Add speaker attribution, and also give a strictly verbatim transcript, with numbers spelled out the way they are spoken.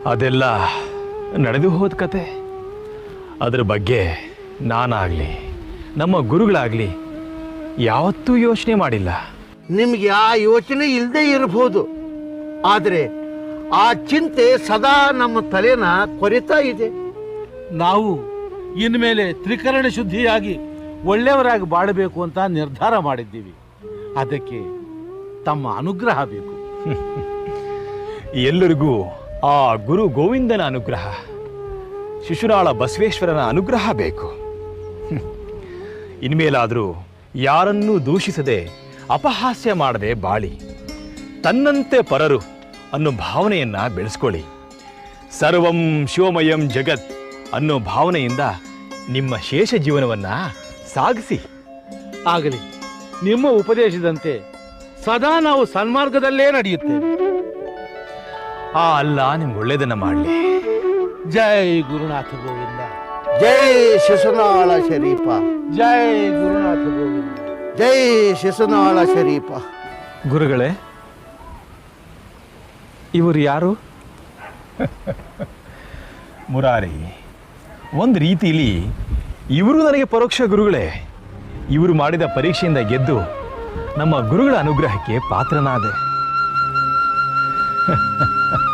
Speaker 1: ಅದೆಲ್ಲ ನಡೆದು ಹೋದ ಕತೆ. ಅದರ ಬಗ್ಗೆ ನಾನಾಗಲಿ ನಮ್ಮ ಗುರುಗಳಾಗಲಿ ಯಾವತ್ತೂ ಯೋಚನೆ ಮಾಡಿಲ್ಲ.
Speaker 2: ನಿಮಗೆ ಆ ಯೋಚನೆ ಇಲ್ಲದೆ ಇರಬಹುದು, ಆದರೆ ಆ ಚಿಂತೆ ಸದಾ ನಮ್ಮ ತಲೆನ ಕೊರಿತಾ ಇದೆ.
Speaker 3: ನಾವು ಇನ್ಮೇಲೆ ತ್ರಿಕರಣ ಶುದ್ಧಿಯಾಗಿ ಒಳ್ಳೆಯವರಾಗಿ ಬಾಳಬೇಕು ಅಂತ ನಿರ್ಧಾರ ಮಾಡಿದ್ದೀವಿ. ಅದಕ್ಕೆ ತಮ್ಮ ಅನುಗ್ರಹ ಬೇಕು.
Speaker 1: ಎಲ್ಲರಿಗೂ ಆ ಗುರು ಗೋವಿಂದನ ಅನುಗ್ರಹ, ಶಿಶುನಾಳ ಬಸವೇಶ್ವರನ ಅನುಗ್ರಹ ಬೇಕು. ಇನ್ಮೇಲಾದರೂ ಯಾರನ್ನೂ ದೂಷಿಸದೆ ಅಪಹಾಸ್ಯ ಮಾಡದೆ ಬಾಳಿ ತನ್ನಂತೆ ಪರರು ಅನ್ನೋ ಭಾವನೆಯನ್ನ ಬೆಳೆಸ್ಕೊಳ್ಳಿ. ಸರ್ವಂ ಶಿವಮಯಂ ಜಗತ್ ಅನ್ನೋ ಭಾವನೆಯಿಂದ ನಿಮ್ಮ ಶೇಷ ಜೀವನವನ್ನ ಸಾಗಿಸಿ.
Speaker 3: ಆಗಲಿ, ನಿಮ್ಮ ಉಪದೇಶದಂತೆ ಸದಾ ನಾವು ಸನ್ಮಾರ್ಗದಲ್ಲೇ ನಡೆಯುತ್ತೇವೆ.
Speaker 1: ಆ ಅಲ್ಲ ನಿಮ್ಗೆ ಒಳ್ಳೇದನ್ನ ಮಾಡಲಿ.
Speaker 3: ಜೈ ಗುರುನಾಥ ಗೋವಿಂದ.
Speaker 2: ಜೈ ಶಿಶುನಾಳ ಶರೀಫ.
Speaker 3: ಜೈ ಗುರುನಾಥ ಗೋವಿಂದ.
Speaker 2: ಜೈ ಶಿಶುನಾಳ ಶರೀಫ.
Speaker 1: ಗುರುಗಳೇ, ಇವರು ಯಾರು? ಮುರಾರಿ, ಒಂದು ರೀತಿಯಲ್ಲಿ ಇವರು ನನಗೆ ಪರೋಕ್ಷ ಗುರುಗಳೇ. ಇವರು ಮಾಡಿದ ಪರೀಕ್ಷೆಯಿಂದ ಗೆದ್ದು ನಮ್ಮ ಗುರುಗಳ ಅನುಗ್ರಹಕ್ಕೆ ಪಾತ್ರನಾದೆ.